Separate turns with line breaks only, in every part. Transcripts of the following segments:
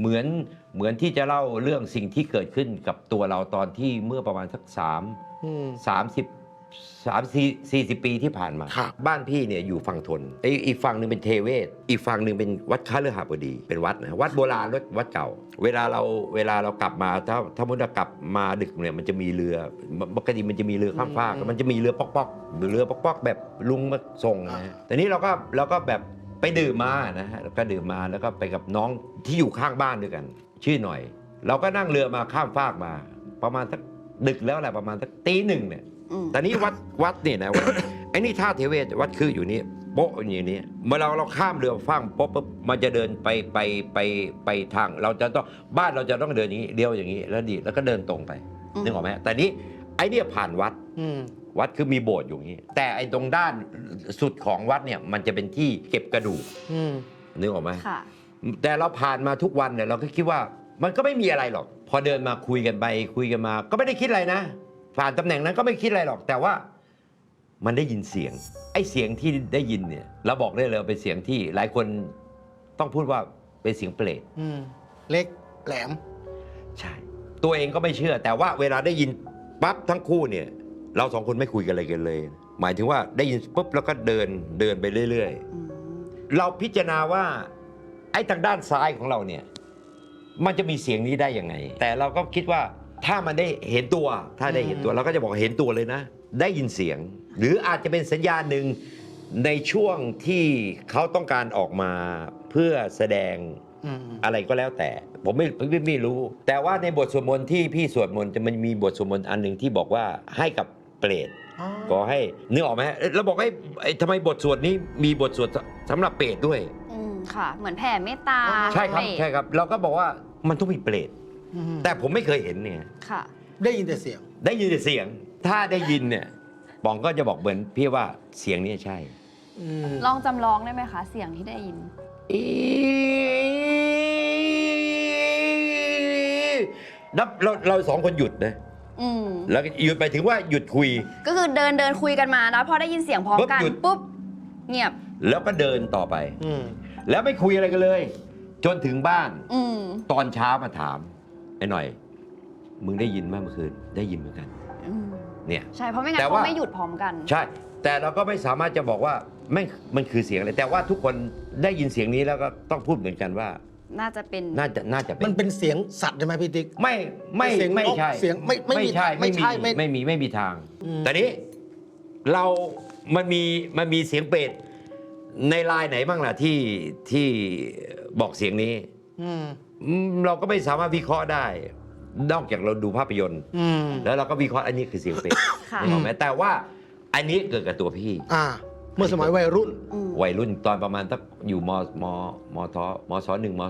เหมือนที่จะเล่าเรื่องสิ่งที่เกิดขึ้นกับตัวเราตอนที่เมื่อประมาณสัก30 40 ปีที่ผ่านมา บ้านพี่เนี่ยอยู่ฝั่งทนอีกฝั่งหนึ่งเป็นเทเวศอีกฝั่งหนึ่งเป็นวัดคฤหบดีเป็นวัดนะวัดโบราณวัดเก่าเวลาเรากลับมาถ้ามุดกลับมาดึกเนี่ยมันจะมีเรือปกติมันจะมีเรือข้ามฟากมันจะมีเรือป๊อกแบบลุงมาส่งนะฮะแต่นี้เราก็แบบไปดื่มมานะฮะก็ดื่มมาแล้วก็ไปกับน้องที่อยู่ข้างบ้านด้วยกันชื่อหน่อยเราก็นั่งเรือมาข้ามฟากมาประมาณสักดึกแล้วแหละประมาณสักตี 1เนี่ยแต่นี้วัดเนี่ยนะไอ้นี่ท่าเทเวศวัดคืออยู่นี่โป๊ะอย่างนี้เมื่อเราข้ามเรือฟังปุ๊บมันจะเดินไปทางเราจะต้องบ้านเราจะต้องเดินอย่างนี้เลี้ยวอย่างนี้แล้วก็เดินตรงไปนึกออกไหมแต่นี้ไอ้เนี่ยผ่านวัดคือมีโบสถ์อยู่อย่างนี้แต่ไอ้ตรงด้านสุดของวัดเนี่ยมันจะเป็นที่เก็บกระดูกนึกออกไหมแต่เราผ่านมาทุกวันเนี่ยเราก็คิดว่ามันก็ไม่มีอะไรหรอกพอเดินมาคุยกันไปคุยกันมาก็ไม่ได้คิดอะไรนะผ่านตำแหน่งนั้นก็ไม่คิดอะไรหรอกแต่ว่ามันได้ยินเสียงไอ้เสียงที่ได้ยินเนี่ยเราบอกได้เลยเป็นเสียงที่หลายคนต้องพูดว่าเป็นเสียงเปรต
เล็กแหลม
ใช่ตัวเองก็ไม่เชื่อแต่ว่าเวลาได้ยินปั๊บทั้งคู่เนี่ยเราสองคนไม่คุยกันอะไรกันเลยหมายถึงว่าได้ยินปุ๊บแล้วก็เดินไปเรื่อยๆเราพิจารณาว่าไอ้ทางด้านซ้ายของเราเนี่ยมันจะมีเสียงนี้ได้ยังไงแต่เราก็คิดว่าถ้ามันได้เห็นตัวถ้าได้เห็นตัวเราก็จะบอกเห็นตัวเลยนะได้ยินเสียงหรืออาจจะเป็นสัญญาณหนึ่งในช่วงที่เขาต้องการออกมาเพื่อแสดงอะไรก็แล้วแต่ผมไม่รู้แต่ว่าในบทสวดมนต์ที่พี่สวดมนต์จะมันมีบทสวดมนต์อันหนึ่งที่บอกว่าให้กับเปรตก็ให้นึกออกไหมเราบอกให้ทำไมบทสวดนี้มีบทสวดสำหรับเปรตด้วย
ค่ะเหมือนแผ่เมตตา
ใช่ครับเราก็บอกว่ามันต้องมีเปรตแต่ผมไม่เคยเห็นเนี่ย
ค่ะ
ได้ยินแต่เสียง
ถ้าได้ยินเนี่ยปองก็จะบอกเหมือนพี่ว่าเสียงนี้ใช่
ลองจำลองได้ไหมคะเสียงที่ได้ยิน
นับเราสองคนหยุดนะแล้วหยุดไปถึงว่าหยุดคุย
ก็คือเดินคุยกันมาแล้วพอได้ยินเสียงพร้อมกันปุ๊บเงียบ
แล้วก็เดินต่อไปแล้วไม่คุยอะไรกันเลยจนถึงบ้านตอนเช้ามาถามไอ้หน่อยมึงได้ยินไหมเมื่อคืนได้ยินเหมือนกันเนี่ย
ใช่เพราะไม่งั้นเขาไม่หยุดพร้อมกัน
ใช่แต่เราก็ไม่สามารถจะบอกว่ามันคือเสียงอะไรแต่ว่าทุกคนได้ยินเสียงนี้แล้วก็ต้องพูดเหมือนกันว่า
น่าจะเป็น
มันเป็นเสียงสัตว์ใช่ไหมพี่ติ๊ก
ไม่ใช่
เสียงไม่ใช่
ไม่มีทางแต่นี้มันมีเสียงเปรตในลายไหนบ้างล่ะที่บอกเสียงนี้เราก็ไม่สามารถวิเคราะห์ได้นอกจากเราดูภาพยนตร์แล้วเราก็วิเคราะห์อันนี้คือเสียงเปรตถูกไหมแต่ว่าอันนี้เกิดกับตัวพี่
เมื่อสมัยวัยรุ่น
ตอนประมาณสักอยู่มศ 1 มศ 2 มศ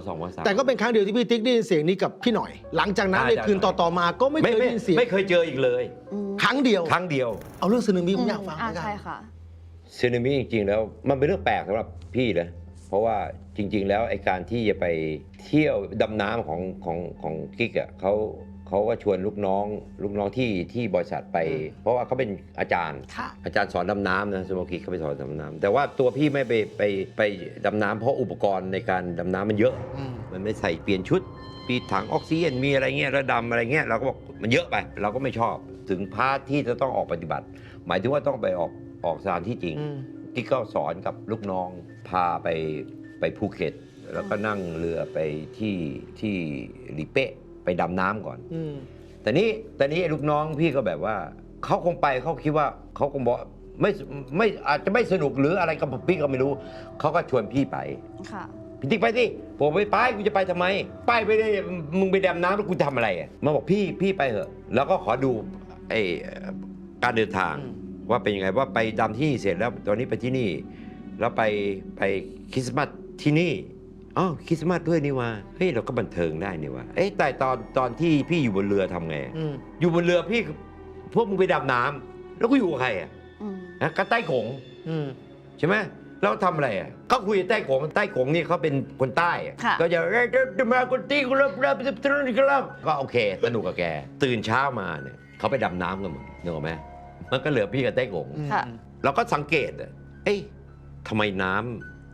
3
แต่ก็เป็นครั้งเดียวที่พี่ติ๊กได้ยินเสียงนี้กับพี่หน่อยหลังจากนั้นในคืนต่อมาก็ไม่เคยได้ยินเสียง
ไม่เคยเจออีกเลย
ครั้งเดียวเอาเรื่องสึนามิผมอยากฟัง
ใช่ค่ะ
สึนามิจริงๆแล้วมันเป็นเรื่องแปลกสำหรับพี่นะเพราะว่าจริงๆแล้วไอ้การที่จะไปเที่ยวดำน้ำของกิ๊กอ่ะเขาก็ชวนลูกน้องที่บริษัทไปเพราะว่าเขาเป็นอาจารย์สอนดำน้ำนะสโมกิเขาไปสอนดำน้ำแต่ว่าตัวพี่ไม่ไปดำน้ำเพราะอุปกรณ์ในการดำน้ำมันเยอะมันไม่ใส่เปลี่ยนชุดมีถังออกซิเจนมีอะไรเงี้ยระดำอะไรเงี้ยเราก็บอกมันเยอะไปเราก็ไม่ชอบถึงพาร์ทที่จะต้องออกปฏิบัติหมายถึงว่าต้องไปออกสถานที่จริงที่เขาสอนกับลูกน้องพาไปภูเก็ตแล้วก็นั่งเรือไปที่ลีเป้ไปดำน้ำก่อนแต่นี้ลูกน้องพี่ก็แบบว่าเขาคงไปเขาคิดว่าเขาคงบอกไม่อาจจะไม่สนุกหรืออะไรกับพี่ก็ไม่รู้เขาก็ชวนพี่ไปพี่ติ๊กไปสิผมไปกูจะไปทำไมไปได้มึงไปดำน้ำแล้วกูทำอะไรมาบอกพี่ไปเถอะแล้วก็ขอดูการเดินทางว่าเป็นยังไงว่าไปดำที่นี่เสร็จแล้วตอนนี้ไปที่นี่แล้วไปคริสต์มาสที่นี่คริสต์มาสด้วยนี่ว่าเฮ้ยเราก็บันเทิงได้นี่ว่าแต่ตอนที่พี่อยู่บนเรือทำไงอยู่บนเรือพี่พวกมึงไปดำน้ำแล้วก็อยู่กับใครก็ใต้โขงใช่ไหมแล้วทำอะไรเขาคุยใต้โขงนี่เขาเป็นคนใต้ก็จะมาคนตีก็เริ่มก็โอเคสนุกกับแกตื่นเช้ามาเนี่ยเขาไปดำน้ำกันหมดนึกออกไหมมันก็เหลือพี่กับใต้โขงเราก็สังเกตทำไมน้ำ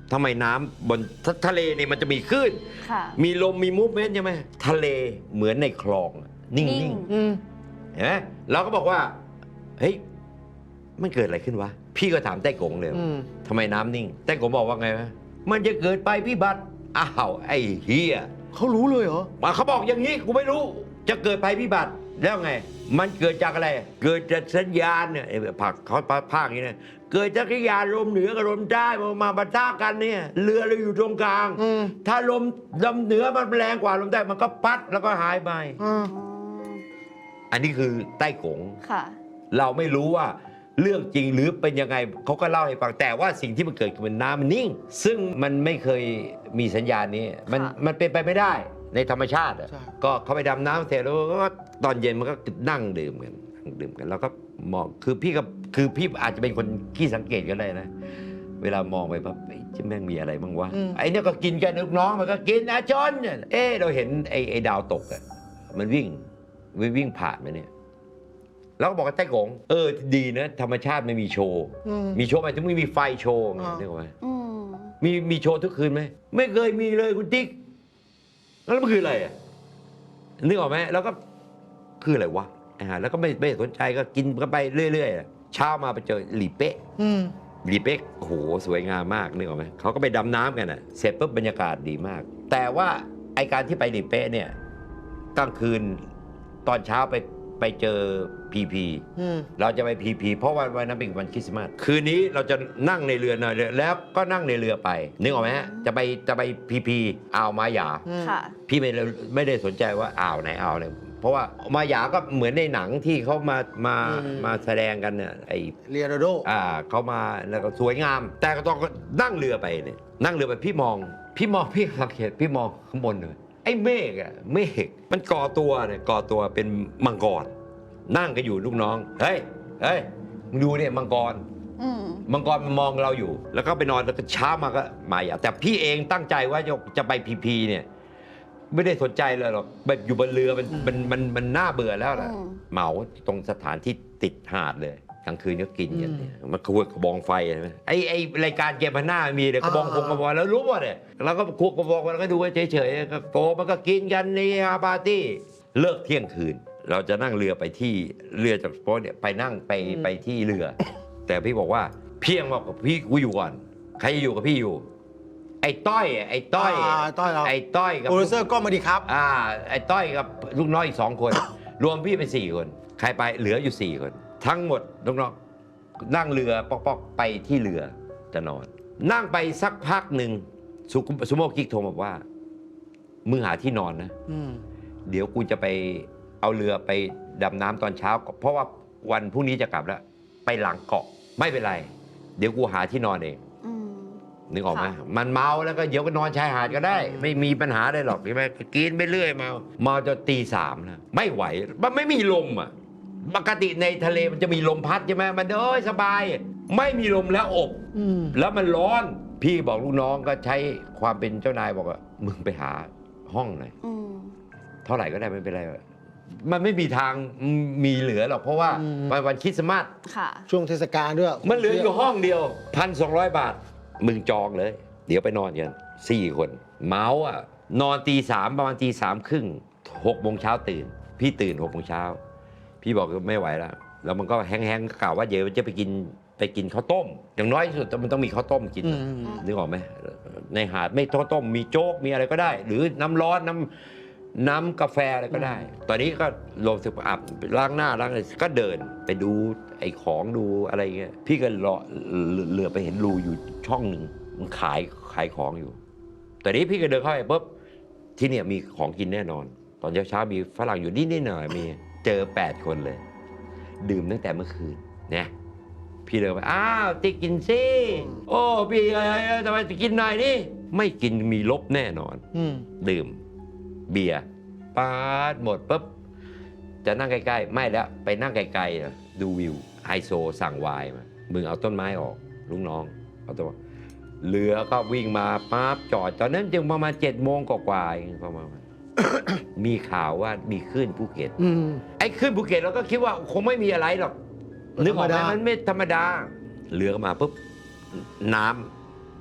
ทำไมน้ำบนทะเลเนี่ยมันจะมีคลื่น
ค่ะ
มีลมมีมูฟเมนต์ใช่ไหมทะเลเหมือนในคลองอะนิ่
นิ่
ง
ง
อืม
ๆเห็นไหมเราก็บอกว่าเฮ้ยมันเกิดอะไรขึ้นวะพี่ก็ถามไต้กงเลย
อืม
ทำไมน้ำนิ่งไต้กงบอกว่าไงวะมันจะเกิดไปพิบัติอ้าวไอ้เฮีย
เขารู้เลยเหรอ
เขาบอกอย่างนี้กูไม่รู้จะเกิดภัยพิบัติแล้วไง มันเกิดจากอะไร เกิดจากสัญญาณเนี่ยไอ้ผักเขาภาคอย่างนี้นะเกิดจากสัญญาณลมเหนือกับลมใต้มาปะทะกันเนี่ยเรือเราอยู่ตรงกลาง
อืม
ถ้าลมเหนือมันแรงกว่าลมใต้มันก็พัดแล้วก็หายไป
อ่า
อ๋อ
อันนี้คือใต้กง
ค่ะ
เราไม่รู้ว่าเรื่องจริงหรือเป็นยังไงเขาก็เล่าให้ฟังแต่ว่าสิ่งที่มันเกิดคือมันน้ำมันนิ่ง ซึ่งมันไม่เคยมีสัญญาณนี้มันเป็นไปไม่ได้ในธรรมชาติอะ
ใช่
ก็เขาไปดำน้ำเสร็จแล้วก็ตอนเย็นมันก็นั่งดื่มกันแล้วก็มองคือพี่อาจจะเป็นคนขี้สังเกตก็ได้นะ เวลามองไปปั๊บจะแม่งมีอะไรบ้างวะไอ้เนี่ยก็กินกันลูกน้องมันก็กินนะจนเราเห็นไอ้ดาวตกอะมันวิ่งผ่านมาเนี่ย แล้วก็บอกกับไต้กงดีนะธรรมชาติไม่มีโชว์
อืม
มีโชว์หมายถึงไม่มีไฟโชว์ไง
อ่า
นึกออกไหม
อืม
มีโชว์ทุกคืนไหมไม่เคยมีเลยคุณติ๊กแล้วมันคืออะไรอ่ะนึกออกไหมแล้วก็คืออะไรวะแล้วก็ไม่สนใจก็กินกันไปเรื่อยๆเช้ามาไปเจอหลีเป๊ะ
อืม
หลีเป๊ะโอ้โหสวยงามมากนึกออกไหมเขาก็ไปดำน้ำกันอ่ะเสร็จปุ๊บบรรยากาศดีมาก แต่ว่าไอการที่ไปหลีเป๊ะเนี่ยกลางคืนตอนเช้าไปเจอพีพี
อืม
เราจะไปพีพีเพราะวันนั้นเป็นวันคริสต์มาสคืนนี้เราจะนั่งในเรือหน่อยแล้วก็นั่งในเรือไปนึกออกไหมฮะจะไปพีพีอ่าวมาหยา
ค่ะ
พี่ไม่ได้สนใจว่าอ่าวไหนอ่าวไหนเพราะว่ามาหยาก็เหมือนในหนังที่เขามาแสดงกันเนี่ยไอ
เรียนาโด
เขามาแล้วก็สวยงาม แต่ก็ต้องนั่งเรือไปเนี่ยนั่งเรือไปพี่มองพี่สังเกตพี่มองข้างบนเลยไอ้เมฆมันก่อตัวเป็นมังกรนั่งกันอยู่ลูกน้องเฮ้ยมึงดูเนี่ยมังกร
อืม
มังกรมันมองเราอยู่ แล้วก็ไปนอนแล้วก็เช้ามาก็มาอย่าแต่พี่เองตั้งใจว่าจะไปพีเนี่ยไม่ได้สนใจเลยหรอกแบบอยู่บนเรือมันน่าเบื่อแล้วแหละ
อืม
เหมาตรงสถานที่ติดหาดเลยกลางคืนก็กินกันเนี่ยมันควงกระบองไฟใช่ไหมไอ้รายการเกมพันหน้ามีเลยกระบองกระบองแล้วรู้ว่าเนี่ยเราก็ควงกระบองแล้วก็ดูเฉยๆก็โตมันก็กินกันนี่ฮาปาร์ตี้เลิกเที่ยงคืน เราจะนั่งเรือไปที่เรือจากโป๊ะเนี่ยไปนั่งไปที่เรือ แต่พี่บอกว่าเพียงบอกกับพี่กูอยู่ก่อนใครจะอยู่กับพี่อยู่ ไอ้ต้อยกับ
ต้อยเราโปรดิวเซอร์ก็มาดีครับ
ไอ้ต้อยกับลูกน้องอีก2 คน รวมพี่เป็น4 คน ใครไปเหลืออยู่4 คน ทั้งหมดลูกน้องนั่งเรือปอกไปที่เรือจะนอน นั่งไปสักพักหนึ่งซูโม่กิ๊กโทรมาบอกว่ามึงหาที่นอนนะ
อืม
เดี๋ยวกูจะไปเอาเรือไปดำน้ำตอนเช้า เพราะว่าวันพรุ่งนี้จะกลับแล้ว ไปหลังเกาะไม่เป็นไร เดี๋ยวกูหาที่นอนเอง
อืม
นึกออกไหม
ค่ะ
มันเมาแล้วก็เดี๋ยวก็นอนชายหาดก็ได้ ไม่มีปัญหาได้หรอกใช่ไหมกินไปเรื่อยเมาจนตี 3นะไม่ไหวมันไม่มีลมอ่ะปกติในทะเลมันจะมีลมพัดใช่ไหมมันสบาย ไม่มีลมแล้วอบ
อืม
แล้วมันร้อน พี่บอกลูกน้องก็ใช้ความเป็นเจ้านายบอกว่ามึงไปหาห้องหน่อย
อืม
เท่าไหร่ก็ได้ไม่เป็นไรมันไม่มีทางมีเหลือหรอกเพราะว่าวันคริสต์มาส
ค่ะ
ช่วงเทศกาลด้วย
มันเหลืออยู่ห้องเดียว 1,200 บาท มึงจองเลย เดี๋ยวไปนอนกัน4 คน เมาส์นอนตี 3ประมาณตี 3 ครึ่ง6 โมงเช้าตื่น พี่ตื่น6 โมงเช้า พี่บอกไม่ไหวแล้ว แล้วมันก็แห้งๆกล่าวว่าเดี๋ยวจะไปกินข้าวต้ม อย่างน้อยที่สุดมันต้องมีข้าวต้มกิน นึกออกไหมในหาดไม่ข้าวต้มมีโจ๊กมีอะไรก็ได้ หรือน้ำร้อนน้ำกาแฟอะไรก็ได้ ตอนนี้ก็ลงสึกอาบล้างหน้าล้างอะไรก็เดินไปดูไอ้ของดูอะไรเงี้ยพี่ก็เหลือไปเห็นรูอยู่ช่องหนึ่งมันขายของอยู่ตอนนี้พี่ก็เดินเข้าไปปุ๊บที่เนี่ยมีของกินแน่นอน ตอนเช้ามีฝรั่งอยู่นิดหน่อยมีเจอ8 คนเลย ดื่มตั้งแต่เมื่อคืนเนี่ยพี่เดินไปอ้าวติ๊กกินสิโอ้พี่ทำไมกินหน่อยนี่ไม่กินมีลบแน่นอน
อืม
ดื่มเบียร์ปาดหมดปุ๊บจะนั่งใกล้ๆไม่แล้วไปนั่งไกลๆดูวิวไฮโซสั่งไวน์มามึงเอาต้นไม้ออกลุงน้องเอาตัวเรือก็วิ่งมาปั๊บจอดตอนนั้นจึงประมาณ7 โมงกว่าๆเองประมาณ มีข่าวว่ามีคลื่นภูเก็ต
อืม
ไอ้คลื่นภูเก็ตเราก็คิดว่าคงไม่มีอะไรหรอกนึกออกไหม
ธรรมดามั
มันไม่ธรรมดาเรือก็มาปุ๊บน้ำ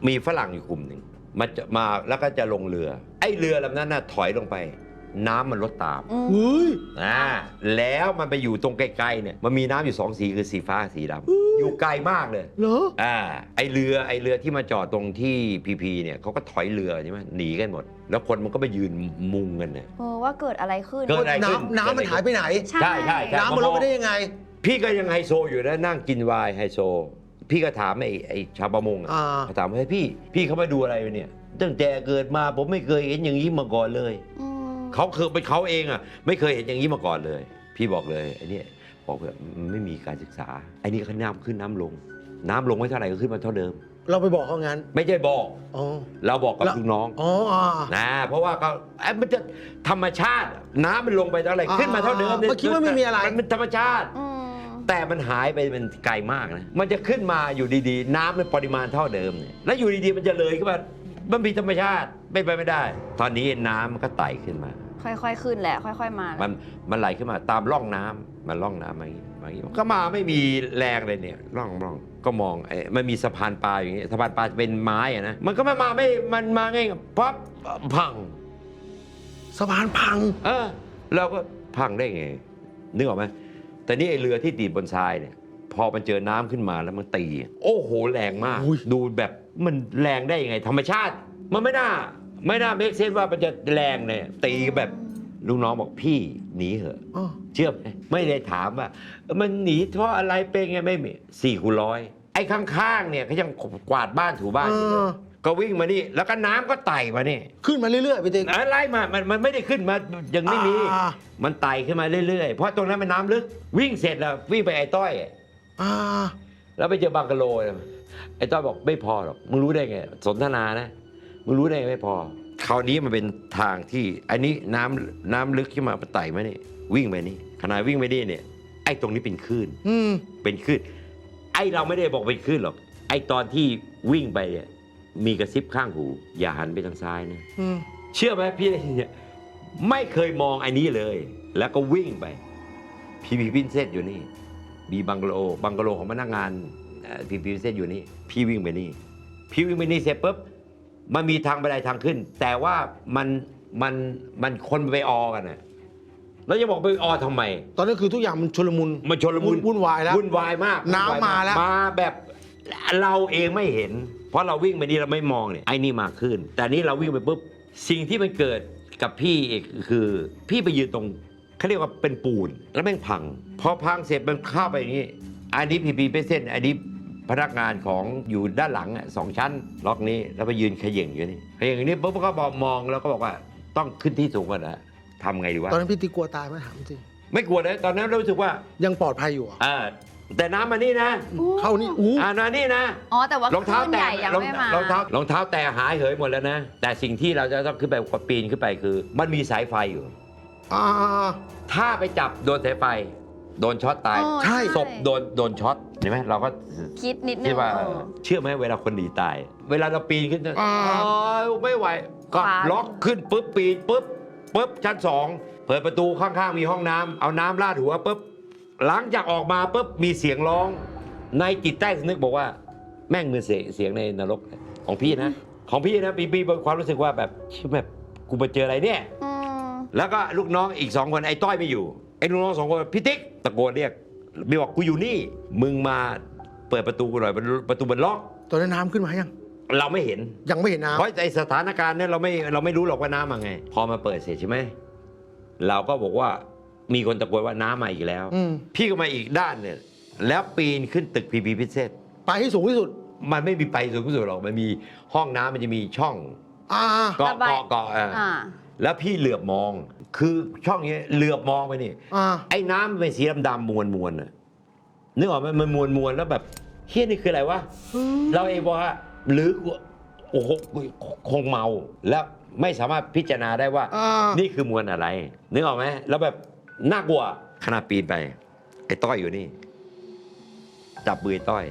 มีฝรั่งอยู่กลุ่มหนึ่งมันจะมาแล้วก็จะลงเรือ ไอ้เรือลำนั้นน่ะถอยลงไป น้ำมันลดตาม
เฮ้ย
แล้วมันไปอยู่ตรงไกลๆเนี่ยมันมีน้ำอยู่2 สีคือสีฟ้าสีดำอยู่ไกลมากเลย
เหรอ
ไอเรือที่มาจอดตรงที่พีเนี่ยเขาก็ถอยเรือใช่ไหมหนีกันหมด แล้วคนมันก็ไปยืนมุงกันเนี่ย
ว่าเกิดอะไรขึ้น
เกิดอะไรขึ้น
น้ำมันหายไปไหน
ใช่
ใช่
น้ำมันลดไปได้ยังไง
พี่ก็ยังไฮโซอยู่นะนั่งกินไวน์ไฮโซ พี่ก็ถามไอ้ชาวประมงถามว่าให้พี่เขามาดูอะไรเนี่ยตั้งแต่เกิดมาผมไม่เคยเห็นอย่างนี้มาก่อนเลยเขาคือเป็นเขาเองอ่ะไม่เคยเห็นอย่างนี้มาก่อนเลย พี่บอกเลยไอ้นี่บอกเลยไม่มีการศึกษาไอ้นี่ก็น้ำขึ้นน้ำลงไม่เท่าไหร่ก็ขึ้นมาเท่าเดิม
เราไปบอกเขางั้น
ไม่ใช่บอก
อ๋อ
เราบอกกับลูกน้อง
อ๋อ
นะเพราะว่าเขามันจะธรรมชาติน้ำมันลงไปเท่าไหร่ขึ้นมาเท่าเดิม
เมื่อกี้ว่าไม่มีอะไร
มันเป็นธรรมชาติ แต่มันหายไปมันไกลมากนะมันจะขึ้นมาอยู่ดีๆ น้ำในปริมาณเท่าเดิมเนี่ยแล้วอยู่ดีๆมันจะเลยขึ้นมามันมีธรรมชาติไม่ไปไม่ได้ ตอนนี้น้ำมันก็ไต่ขึ้นมา
ค่อยๆขึ้นแหละค่อยๆมา
มันไหลขึ้นมาตามร่องน้ำมันร่องน้ำมาอย่างนี้ก็มาไม่มีแรงเลยเนี่ยร่องก็มองมันมีสะพานปลาอย่างเงี้ยสะพานปลาจะเป็นไม้อะนะมันก็ไม่มาไม่มันมาง่ายปั๊บพัง
สะพานพัง
เราก็พังได้ไงนึกออกไหมแต่นี่ไอเรือที่ตีบนทรายเนี่ยพอมันเจอน้ำขึ้นมาแล้วมันตี โอ้โหแรงมาก ดูแบบมันแรงได้ยังไง ธรรมชาติมันไม่น่าเมคเซนว่ามันจะแรงเนี่ยตีแบบลูกน้องบอกพี่หนีเหอะเชื่อไหมไม่ได้ถามว่ามันหนีเพราะอะไรเป็นไงไม่มี4x100ไอ้ข้างๆเนี่ยเขายังกวาดบ้านถูบ้านอยู่เลยก็วิ่งมานี่แล้วก็น้ำก็ไต่มานี่
ขึ้นมาเรื่อยๆไปเต็ม
ไล่มามันไม่ได้ขึ้นมายังไม่มี มันไต่ขึ้นมาเรื่อยๆเพราะตรงนั้นมันน้ำลึกวิ่งเสร็จแล้ววิ่งไปไอ้ต้อยแล้วไปเจอบังกะโลไอ้ต้อยบอกไม่พอหรอกมึงรู้ได้ไงสนทนานะมึงรู้ได้ไงไม่พอคราวนี้มันเป็นทางที่อันนี้น้ำลึกขึ้นมาไต่มานี่วิ่งไปนี่ขณะวิ่งไปนี่เนี่ยไอ้ตรงนี้เป็นคลื่นเป็นคลื่นไอ้เราไม่ได้บอกเป็นคลื่นหรอกไอ้ตอนที่วิ่งไปเนี่ยมีกระซิบข้างหูอย่าหันไปทางซ้ายนะเชื่อไหมพี่เนี่ยไม่เคยมองไอ้นี้เลย แล้วก็วิ่งไปพีพินเซตอยู่นี่มีบังกะโลของพนักงานพีพินเซตอยู่นี่พี่วิ่งไปนี่เสร็จปุ๊บมันมีทางบันไดทางขึ้น แต่ว่ามันคนไปออกันนะแล้วจะบอกไปออทำไม
ตอนนั้นคือทุกอย่างมันชลมุน วุ่นวายแล้ว
วุ่นวายมาก
น้ำมาแล้ว
มาแบบเราเองไม่เห็นเพราะเราวิ่งไปนี่เราไม่มองเนี่ยไอ้นี่มาขึ้นแต่นี้เราวิ่งไปปุ๊บสิ่งที่มันเกิดกับพี่เอกคือพี่ไปยืนตรงเขาเรียกว่าเป็นปูนแล้วแม่งพังพอพังเสร็จมันเข้าไปอย่างนี้อันนี้พีเส้นอันนี้พนักงานของอยู่ด้านหลัง2 ชั้นล็อกนี้แล้วไปยืนเขย่งอยู่นี่เขย่งอย่างนี้ปุ๊บก็บอกมองแล้วก็บอกว่าต้องขึ้นที่สูงกว่านะทำไงดีวะ
ตอนนั้นพี่ติ๊กกลัวตายไหมถามจริง
ไม่กลัวนะตอนนั้นรู้สึกว่า
ยังปลอดภัยอยู่
แต่น้ำมานี่นะ
เข้านี่
มานี่นะ
แต่ว่าร
องเท้า
คลื่น
แตะ
ใหญ่ยังไม่มาร
องเท้าแตะหายเหยหมดแล้วนะแต่สิ่งที่เราจะต้องขึ้นไปปีนขึ้นไปคือ มันมีสายไฟอยู่ถ้าไปจับโดนสายไฟโดนช็อตตาย
ใช่
ศพโดนช็อตเห็นไหมเราก็
คิดนิดนึ
คิด
ง
ว่าเชื่อไหมเวลาคนหนีตาย เวลาเราปีนขึ้นไม่ไหวก็ล็อกขึ้นปุ๊บปีนปุ๊บชั้น 2เปิดประตูข้างๆมีห้องน้ำเอาน้ำราดหัวปุ๊บหลังจากออกมาปุ๊บมีเสียงร้องในจิตใต้สำนึกบอกว่าแม่งเหมือนเสียงในนรกของพี่นะปีมีความรู้สึกว่าแบบกูมาเจออะไรเนี่ยแล้วก็ลูกน้องอีก2 คนไอ้ต้อยไม่อยู่ไอ้ลูกน้อง2 คนพี่ติ๊กตะโกนเรียกบีบอกกูอยู่นี่มึงมาเปิดประตูกูหน่อยประตูมันล็อก
ตอนนั้นน้ำขึ้นมายัง
เราไม่เห็น
ยังไม่เห็นน้ำ
เพราะไอ้สถานการณ์เนี่ยเราไม่รู้หรอกว่าน้ำมาไงพอมาเปิดเสร็จใช่ไหมเราก็บอกว่ามีคนตะโกนว่าน้ำมาอีกแล้วพี่ก็มาอีกด้านเนี่ยแล้วปีนขึ้นตึกพีพิเศษ
ไปให้สูงที่สุด
มันไม่มีไปสูงที่สุดหรอกมันมีห้องน้ำมันจะมีช่องเกาะแล้วพี่เหลือบมองคือช่องนี้เหลือบมองไปนี่ไอ้น้ำมันเป็นสีดำๆมวลน่ะนึกออกไหมมันมวลแล้วแบบเฮี้ยนี่คืออะไรวะเราเองบอกว่าหรือโอ้โหคงเมาแล้วไม่สามารถพิจารณาได้ว่านี่คือมวลอะไรนึกออกไหมแล้วแบบน่ากลัวขณะปีนไปไอ้ต้อยอยู่นี่จับมือไอ้ต้อย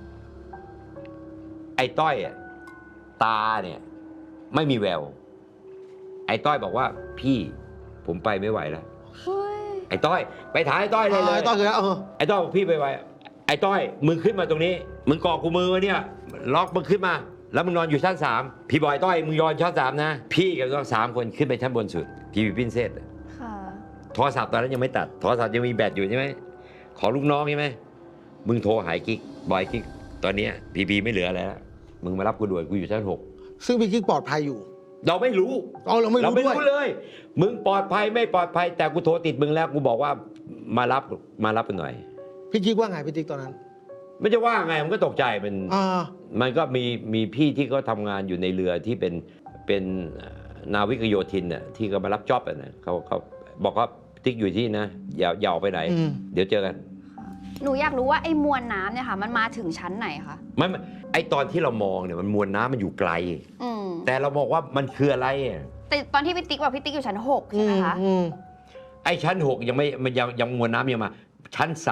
ไอ้ต้อยตาเนี่ยไม่มีแววไอ้ต้อยบอกว่าพี่ผมไปไม่ไหวแล้วไอ้ต้อยไปถ่ายไอ้ต้อยเลยไอ้ต้อยคือไอ้ต้อยบอกพี่ไปไหวไอ้ต้อยมึงขึ้นมาตรงนี้มึงเกาะกูมือไว้เนี่ยล็อกมึงขึ้นมาแล้วมึงนอนอยู่ชั้น 3พี่บอยต้อยมึงนอนชั้น3นะพี่กับน้อง3 คนขึ้นไปชั้นบนสุดพี่พินเซส
ค่ะ
โทรศัพท์ตอนนั้นยังไม่ตัดโทรศัพท์ยังมีแบตอยู่ใช่ไหมขอลูกน้องใช่ไหมมึงโทรหายกิ๊กบอยกิ๊กตอนเนี้ยพีไม่เหลืออะไรแล้วมึงมารับกูด่วนกูอยู่ชั้น 6
ซึ่งพี่กิ๊กปลอดภัยอยู่
เราไม่รู้
อ๋อเราไม่รู้ด้วย
เลย มึงปลอดภัยไม่ปลอดภัยแต่กูโทรติดมึงแล้วกูบอกว่ามารับกันหน่อย
พี่กิ๊กว่าไงพี่ติ๊กตอนนั้น
ไม่จะว่าไงมันก็ตกใจ
อ่า
มันก็มีพี่ที่เขาทำงานอยู่ในเรือที่เป็นนาวิกโยธินน่ะที่เขามารับจ็อบอ่ะนะเขาบอกว่าติ๊กอยู่ที่นะอย่าออกไปไหน เดี๋ยวเจอกัน
หนูอยากรู้ว่าไอ้มวลน้ำเนี่ยค่ะ มันมาถึงชั้นไหนคะ
ไม่ไอตอนที่เรามองเนี่ยมันมวลน้ำมันอยู่ไกล
อืม
แต่เราบอกว่ามันคืออะไรอ่ะ
แต่ตอนที่พี่ติ๊กบอกพี่ติ๊กอยู่ชั้น 6 ใช่ไหมคะ
ไอชั้น 6ยังไม่มันยังมวลน้ำยังมาชั้น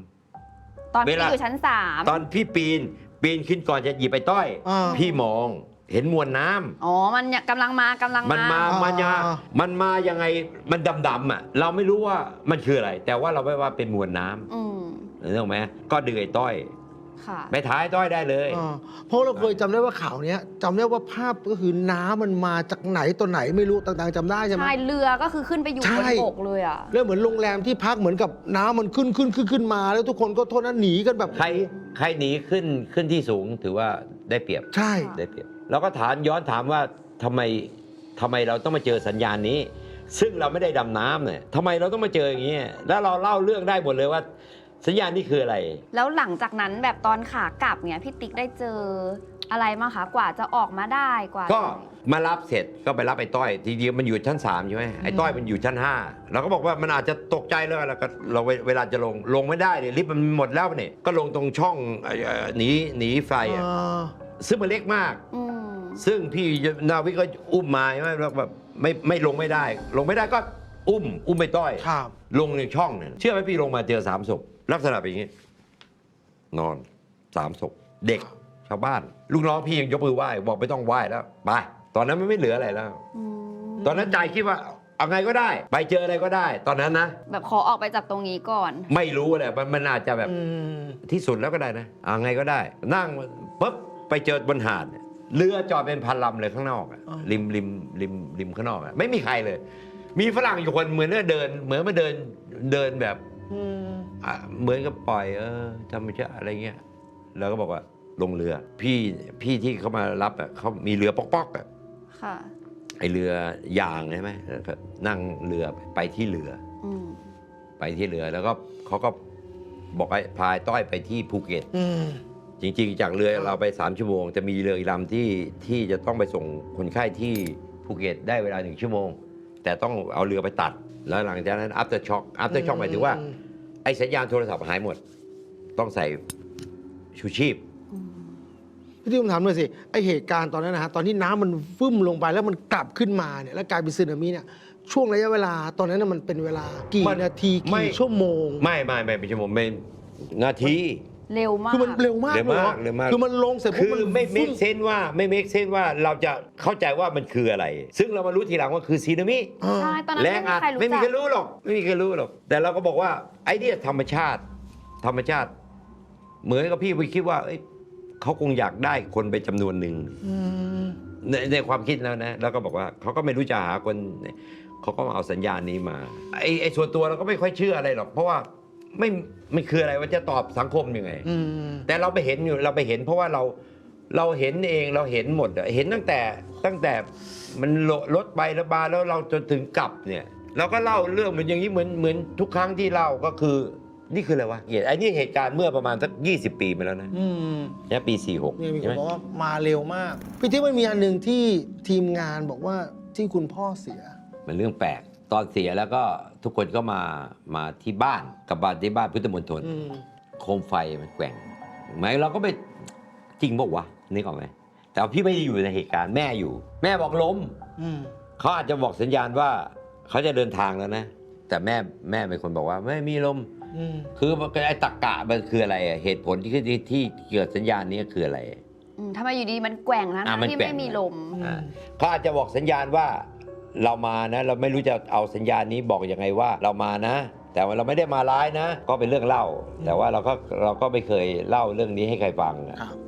3
ตอนพี่ติ๊กอยู่ชั้น 3
ตอนพี่ปีนขึ้นก่อนจะหยิบไปต้อย พี่มองเห็นมวลน้ำ
อ๋อ มันกำลังมา
มันมายังไงมันดำๆอ่ะเราไม่รู้ว่ามันคืออะไร แต่ว่าเราไม่ว่าเป็นมวลน้ำ
อืม
เห็นไหมก็ดึงไอ้ต้อย
ค่ะ
ไปท้ายต้อยได้เลย
เพราะเราเคยจำได้ว่าข่าวเนี้ยจำได้ว่าภาพก็คือน้ำมันมาจากไหนตัวไหนไม่รู้ต่างๆจำได้ใช่ไหม
ใช่ เรือก็คือขึ้นไปอยู่
ใช่
บนบกเลยอ่ะ
แล้วเหมือนโรงแรมที่พักเหมือนกับน้ำมันขึ้นมา แล้วทุกคนก็โทษนะหนีกันแบบ
ใครหนีขึ้นที่สูงถือว่าได้เปรียบ
ใช่
ได้เปรียบเราก็ย้อนถามว่าทำไมเราต้องมาเจอสัญญาณนี้ ซึ่งเราไม่ได้ดำน้ำเนี่ยทำไมเราต้องมาเจออย่างนี้แล้วเราเล่าเรื่องได้หมดเลยว่า สัญญาณนี้คืออะไร
แล้วหลังจากนั้นแบบตอนขากลับเนี่ยพี่ติ๊กได้เจออะไรมางคะกว่าจะออกมาได้กว่า
ก็มารับเสร็จก็ไปรับไอ้ต้อยทีเดียวมันอยู่ชั้น 3ใช่ไหมไอ้ต้อยมันอยู่ชั้น 5เราก็บอกว่ามันอาจจะตกใจแล้วก็เราเวลาจะลงไม่ได้เนี่ยลิฟต์มันหมดแล้วเนี่ยก็ลงตรงช่องหนีไฟอ่ะซึ่งมันเล็กมาก
อืม
ซึ่งพี่นาวิกก็อุ้มมาใช่ไหมแล้วแบบไม่ลงไม่ได้ก็อุ้มไปต้อย
ครับ
ลงในช่องเนี่ยเชื่อไหมพี่ลงมาเจอ3 ศพลักษณะเป็นอย่างนี้ นอน3 ศพเด็กชาวบ้าน ลูกน้องพี่ยังยกมือไหว้บอกไม่ต้องไหว้แล้วไปตอนนั้นมันไม่เหลืออะไรแล้ว ตอนนั้นใจคิดว่าเอาไงก็ได้ ไปเจออะไรก็ได้ ตอนนั้นนะ
แบบขอออกไปจากตรงนี้ก่อน
ไม่รู้แหละมันอาจจะแบบที่สุดแล้วก็ได้นะเอาไงก็ได้ นั่งปุ๊บไปเจอบนหาดเรือจอดเป็นพันลำเลยข้างนอกอะริมข้างนอกอะไม่มีใครเลย มีฝรั่งอยู่คนเหมือนมาเดินแบบเหมือนกับปล่อยธรรมชาติอะไรเงี้ยแล้วก็บอกว่าลงเรือพี่ที่เขามารับอ่ะเขามีเรือป๊อกๆอ่ะ
ค่ะ
ไอเรือยางใช่ไหมแล้วก็นั่งเรือไปที่เรือ
อืม
ไปที่เรือแล้วก็เขาก็บอกให้พายต้อยไปที่ภูเก็ตจริงๆจากเรือเราไป3 ชั่วโมงจะมีเรืออีกลำที่จะต้องไปส่งคนไข้ที่ภูเก็ตได้เวลา1 ชั่วโมงแต่ต้องเอาเรือไปตัดแล้วหลังจากนั้น after shock หมายถึงว่าไอ้สัญญาณโทรศัพท์หายหมดต้องใส่ชูชีพ
พี่ที่ผมถามเลยสิไอเหตุการณ์ตอนนั้นนะฮะตอนที่น้ำมันฟึ่มลงไปแล้วมันกลับขึ้นมาเนี่ยแล้วกลายเป็นสึนามิเนี่ยช่วงระยะเวลาตอนนั้นนะมันเป็นเวลากี่นาทีกี่ชั่วโมง
ไม่เป็นชั่วโมงเป็นนาที
เร็วมาก
คือมันเร็วมาก
เร็วมาก
เลยเหรอคือมันลงเสร็จ
คื
ปุ๊บ
อ
มัน
ไม่เม
ฟึ่
คเซนว่าเราจะเข้าใจว่ามันคืออะไร ซึ่งเรามารู้ทีหลังว่าคือซีนามิ
ใช่ ตอนนั้น
แร
ไม่
ง
มี
อัด
ใครรู้
ไม่มี
จัก
ใครรู้หรอกแต่เราก็บอกว่าไอ้เนี่ยธรรมชาติ เหมือนกับพี่ไปคิดว่าเขาคงอยากได้คนไปจำนวนหนึ่งในความคิดแล้วนะแล้วก็บอกว่าเขาก็ไม่รู้จะหาคนเขาก็เอาสัญญาณนี้มาไอ้ส่วนตัวเราก็ไม่ค่อยเชื่ออะไรหรอกเพราะว่าไม่คืออะไรว่าจะตอบสังคมยังไงแต่เราไปเห็นเพราะว่าเราเห็นเองเราเห็นหมดเห็นตั้งแต่มันรถไปแล้วมาแล้วเราจนถึงกลับเนี่ยเราก็เล่าเรื่องมันอย่างนี้เหมือนทุกครั้งที่เล่าก็คือนี่คืออะไรวะไอ้นี่เหตุการณ์เมื่อประมาณสัก20 ปีมาแล้วนะเนี่ยปี46
เนี่ยมีค
ใช่ไห
น
ม
บอกว่ามาเร็วมากพี่ที่มันมีอันหนึ่งที่ทีมงานบอกว่าที่คุณพ่อเสีย
มันเรื่องแปลกตอนเสียแล้วก็ทุกคนก็มาที่บ้านกับบ้านที่บ้านพุทธมณฑลโคมไฟมันแกว่งไหมเราก็ไปจริงบอกวะนึกออกไหมแต่พี่ไม่ได้อยู่ในเหตุการณ์แม่อยู่ แม่บอกล้มเขาอาจจะบอกสัญญาณว่าเขาจะเดินทางแล้วนะ แต่แม่เป็นคนบอกว่าไม่มีลมคือไอ้ตรรกะมันคืออะไรเหตุผลที่เกิดสัญญาณนี้คืออะไร
ทำไมอยู่ดีมันแกว่งนะ
มัน
ที่
แกว่ง
ไม่มีลม
เขาอาจจะบอกสัญญาณว่าเรามานะเราไม่รู้จะเอาสัญญาณนี้บอกยังไงว่าเรามานะ แต่ว่าเราไม่ได้มาร้ายนะ ก็เป็นเรื่องเล่า แต่ว่าเราก็ไม่เคยเล่าเรื่องนี้ให้ใครฟัง แต่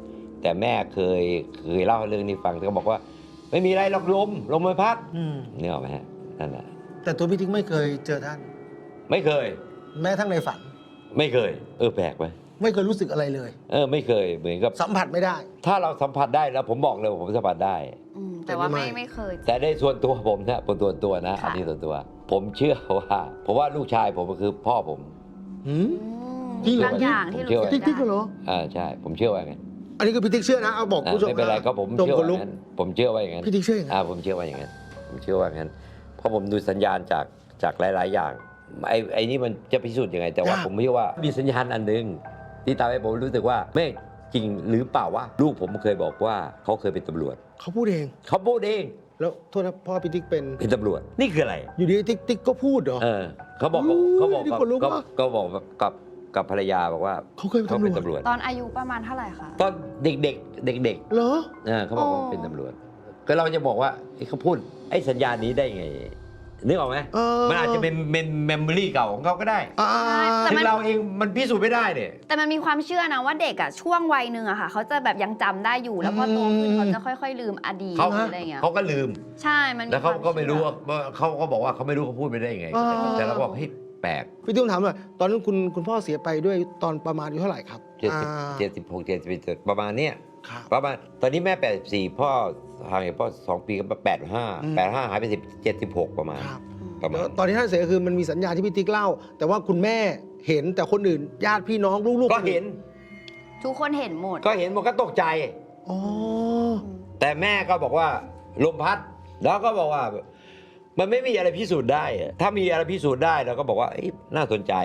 แต่แม่เคยเล่าเรื่องนี้ฟังก็บอกว่าไม่มีอะไรหรอกลมมันพัด เนี่ยหรอกไหมฮะนั่นแหละ
แต่ตัวพี่ติ๊กไม่เคยเจอท่าน
ไม่เคย
แม้ทั้งในฝัน
ไม่เคยแปลกไหม
ไม่เคยรู้สึกอะไรเลย
ไม่เคยเหมือนกับ
สัมผัสไม่ได้
ถ้าเราสัมผัสได้แล้วผมบอกเลยว่าผมสัมผัสได้
แต่ว่า
ไม่
ไม่เคย
แต่ในส่วนตัวผมนะตัวนะ
ค่ะ
อันนี้ส่วนตัว ผมเชื่อว่าเพราะว่าลูกชายผมก็คือพ่อผม
หืม
อืม
จริงเหรอ
บางอย่างที่
ผมเชื่อ
รู้
ว่า
สึ
ติ๊
ก
กติ๊ก
ได้
เหรอ
ใช่ ผมเชื่อว่าไงน
อันนี้คือพี่ติ๊กเชื่อนะ เอาบอกคุณผู้ชม
ไม่เป็นไรก็ผม
จง
เชื่อ
ข
ว่าน
ลุก
งั้นผมเชื่อว่าอย่างนั้น
พี่ติ๊กเชื่ออย่างนั้น
ผมเชื่อว่าอย่างนั้นผมเชื่อว่าอย่างนั้นเพราะผมดูสัญญาณจากหลาย ๆ อย่างไอ้นี่มันจะพิสูจน์ยังไง แต่ว่าผมเชื่อว่ามีสัญญาณอันหนึ่งที่ทำให้ผมรู้สึกว่าไม่จริงหรือเปล่าว่าลูกผมเคยบอกว่าเขาเคยเป็นตำรวจ
เขาพูดเอง
เขาพูดเอง
แล้วโทษนะพ่อพี่ติ๊กเป็น
เป็นตำรวจนี่คืออะไร
อยู่ดีติ๊กก็พูดเหรอ
เขาบอก
อุ้ย
เขาบอก
นี่ขนลุกว่ะ
ก็บอกกับภรรยาบอกว่า
เขาเคยเป็นตำรวจ
ตอนอายุประมาณเท่าไหร่คะ
ตอนเด็ก
เหรอ
เขาบอกว่าเป็นตำรวจก็เราจะบอกว่าเขาพูดไอ้สัญญาณนี้ได้ไงนึกออกไหม มันอาจจะเป็นเมมโมรี่เก่าของเขาก็ได้
แต่
ถึ
มัน
งเราเองมันพิสูจน์ไม่ได้เนี่ย
แต่มันมีความเชื่อนะว่าเด็กอะช่วงวัยหนึ่งอะค่ะเขาจะแบบยังจำได้อยู่แล้วพอโตขึ้นเขาจะค่อยๆลืมอดีต
เขา
อะไรอย่างเงี้ย
เขาก็ลืม
ใช่มัน
แล้วเขาก็ไม่รู้
คว
ว่าเขาก็บอกว่าเขาไม่รู้เขาพูดไปได้ยังไง แต่เราบอกเฮ้ยแปลก
พี่ติ๊กถามหน่อยตอนนั้นคุณพ่อเสียไปด้วยตอนประมาณอายุเท่าไหร่ครับ
76 77ประมาณเนี้ย
ครับ
ประมาณตอนนี้แม่84พ่อห่างจากพ่อ2 ปีก็85หายไป76ประมาณ
ครับ
ประมา
แล้
ณ
วตอนที่ท่านเสียคือมันมีสัญญาณที่พี่ติ๊กเล่า แต่ว่าคุณแม่เห็นแต่คนอื่นญาติพี่น้องลูกๆ
ก็เห็น
ทุกคนเห็นหมด
ก็เห็นมันก็ตกใจ
อ๋อ
แต่แม่ก็บอกว่าลมพัด แล้วก็บอกว่า มันไม่มีอะไรพิสูจน์ได้อะถ้ามีอะไรพิสูจน์ได้เราก็บอกว่าเอ้ยน่าสนใจ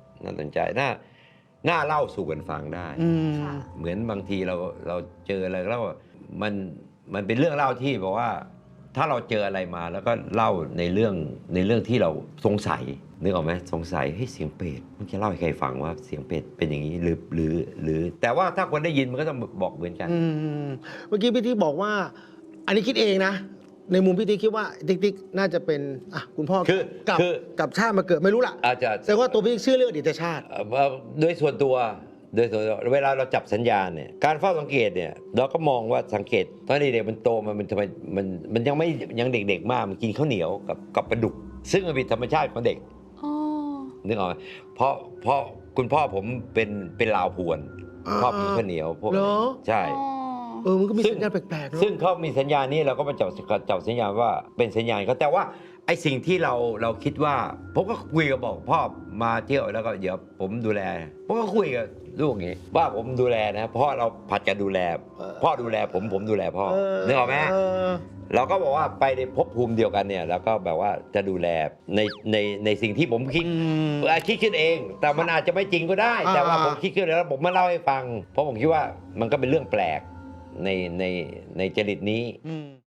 น่าเล่าสู่กันฟังได้
อืม
ค่ะ
เหมือนบางทีเราเจออะไรแล้วมันเป็นเรื่องเล่าที่บอกว่า ถ้าเราเจออะไรมาแล้วก็เล่าในเรื่องที่เราสงสัยนึกออกไหมสงสัยเฮ้ยเสียงเป็ดมันจะเล่าให้ใครฟังว่าเสียงเป็ดเป็นอย่างนี้หรือแต่ว่าถ้าคนได้ยินมันก็ต้องบอกเหมือนกัน
อืมเมื่อกี้พี่ติ๊กบอกว่า อันนี้คิดเองนะ ในมุมพี่ติ๊กคิดว่าติ๊กน่าจะเป็นคุณพ่อ
คือ
กับชาติมาเกิดไม่รู้ล่ะ
อาจจะ
แต่ว่าตัวพี่ติ๊กเชื่อเรื่องอดีตชาติ
โดยส่วนตัวเวลาเราจับสัญญาณเนี่ยการเฝ้าสังเกตเนี่ยเราก็มองว่าสังเกตตอนเด็กๆมันโตมันทำไมมันยังเด็กๆมากมันกินข้าวเหนียวกับปลาดุก ซึ่งมันเป็นธรรมชาติของเด็ก
อ๋อ
นึกออกไหมเพราะคุณพ่อผมเป็นลาวพวนชอบกินข้าวเหนียวพวก
เหร
นี้
อ
ใช่
มันก็มี
ซึ่ง
สัญญาณแปลกๆเนอะ
ซึ่งเขามีสัญญาณนี้เราก็มาจับสัญญาณว่าเป็นสัญญาณเขาแต่ว่าไอ้สิ่งที่เราคิดว่าผมก็คุยกับบอกพ่อมาเที่ยวแล้วก็เดี๋ยวผมดูแลผมก็คุยกับลูกอย่างนี้ว่าผมดูแลนะเพราะเราผัดกันดูแล พ่อดูแลผมดูแลพ่อนึกออกไหม เราก็บอกว่าไปในภพภูมิเดียวกันเนี่ยแล้วก็แบบว่าจะดูแลในสิ่งที่ผมคิดคิดขึ้นเอง แต่มันอาจจะไม่จริงก็ได้ แต่ว่าผมคิดขึ้นแล้วผมมาเล่าให้ฟัง เพราะผมคิดว่ามันก็เป็นเรื่องแปลกในจริตนี้
อืม